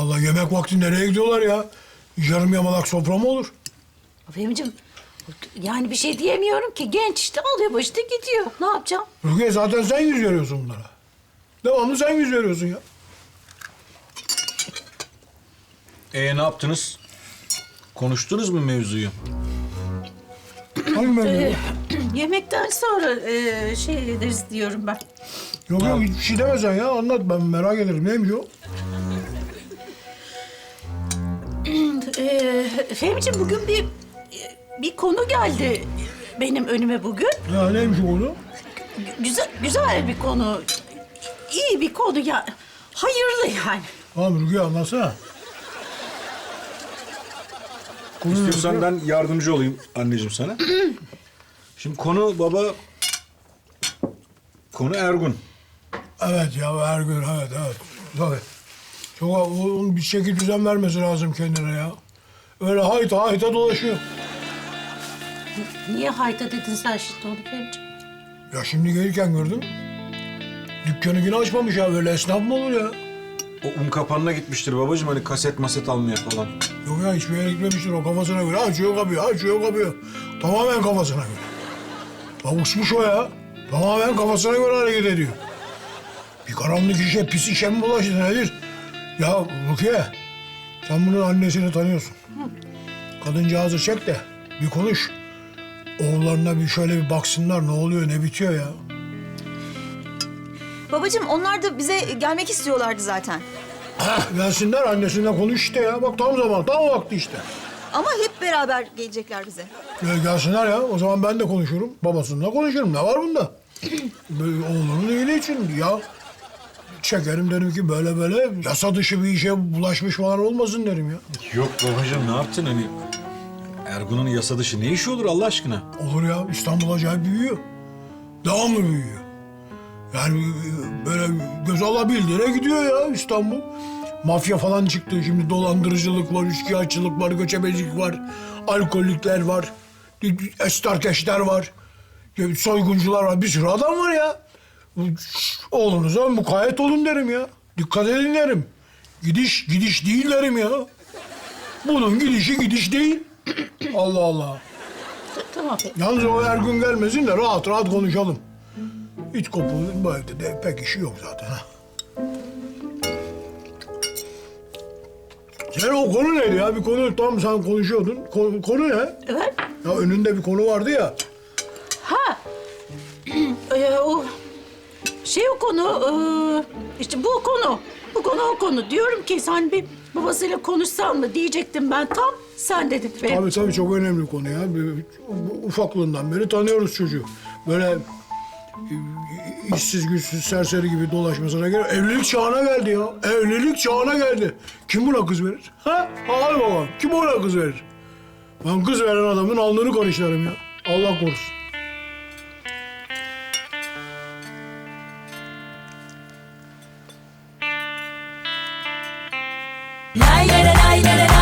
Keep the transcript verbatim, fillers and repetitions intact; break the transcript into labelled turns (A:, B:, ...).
A: Allah yemek vakti nereye gidiyorlar ya? Yarım yamalak sofra mı olur?
B: Fehmi'cim yani bir şey diyemiyorum ki. Genç işte alıyor başını gidiyor. Ne yapacağım?
A: Rukiye zaten sen yüz veriyorsun bunlara. Devamlı sen yüz veriyorsun ya.
C: Ee ne yaptınız? Konuştunuz mu mevzuyu?
A: Hangi mevzu?
B: Ee, yemekten sonra e, şey ederiz diyorum ben.
A: Yok yok hiçbir şey demesen ya anlat ben merak ederim. Neymiş o?
B: Ee, Fehmi'cim bugün bir bir konu geldi benim önüme bugün.
A: Ya neymiş o konu?
B: Güzel güzel bir konu. İyi bir konu ya. Hayırlı yani.
A: Tamam Rukiye anlatsana. Konu ne
C: İstiyorsan
A: Rukiye?
C: ben yardımcı olayım anneciğim sana. Şimdi konu baba... Konu Ergun.
A: Evet ya her gün evet evet. Tabii. Çok onun bir şekil düzen vermesi lazım kendine ya. Öyle hayta hayta dolaşıyor.
B: Niye hayta dedin sen şimdi onu Fehmi'cim?
A: Ya şimdi gelirken gördüm. Dükkanı yine açmamış ya. Böyle esnaf mı olur ya?
C: O un kapanına gitmiştir babacığım hani kaset maset almaya falan.
A: Yok ya hiçbir yere gitmemiştir o kafasına göre. Açıyor kapıyor, açıyor kapıyor. Tamamen kafasına göre. Ya uçmuş o ya. Tamamen kafasına göre hareket ediyor. Bir karanlık işe, pis işe mi bulaştı nedir? Ya Rukiye, sen bunun annesini tanıyorsun. Kadıncağızı çek de bir konuş. Oğullarına bir şöyle bir baksınlar ne oluyor, ne bitiyor ya.
D: Babacığım onlar da bize gelmek istiyorlardı zaten.
A: Heh, gelsinler annesiyle konuş işte ya. Bak tam zaman, tam vakti işte.
D: Ama hep beraber gelecekler bize.
A: Ya gelsinler ya. O zaman ben de konuşurum. Babasıyla konuşurum. Ne var bunda? Böyle oğlunun iyiliği için ya. Çekerim derim ki böyle böyle yasa dışı bir işe bulaşmış falan olmasın derim ya.
C: Yok babacığım ne yaptın hani? Ergun'un yasa dışı ne işi olur Allah aşkına?
A: Olur ya İstanbul acayip büyüyor. Devamlı büyüyor. Yani e, böyle göz alabildiğine gidiyor ya İstanbul. Mafya falan çıktı. Şimdi dolandırıcılık var, üçkağıtçılık var, göçebecilik var. Alkolikler var. Estarkeşler var. Soyguncular var. Bir sürü adam var ya. Oğlunuza mukayyet olun derim ya. Dikkat edin derim. Gidiş gidiş değil derim ya. Bunun gidişi gidiş değil. Allah Allah.
B: Tamam Fehmi.
A: Yalnız o her gün gelmesin de rahat rahat konuşalım. Hiç kopulun bu evde de pek işi yok zaten. Ha. Sen o konu neydi ya? Bir konu tam sen konuşuyordun. Konu, konu ne?
B: Evet.
A: Ya önünde bir konu vardı ya.
B: Ha. Ee, o şey o konu ee, işte bu konu. Bu konu o konu. Diyorum ki sen bir babasıyla konuşsan mı diyecektim ben tam. Sen dedin Fehmi.
A: Tabii tabii çok önemli konu ya. Bir- Ufaklığından beri tanıyoruz çocuğu. Böyle e, işsiz güçsüz serseri gibi dolaşmasına gerek. Evlilik çağına geldi ya. Evlilik çağına geldi. Kim buna kız verir? Ha? Hadi baba. Kim buna kız verir? Ben kız veren adamın alnını karışlarım ya. Allah korusun.
E: Lay lay lay lay lay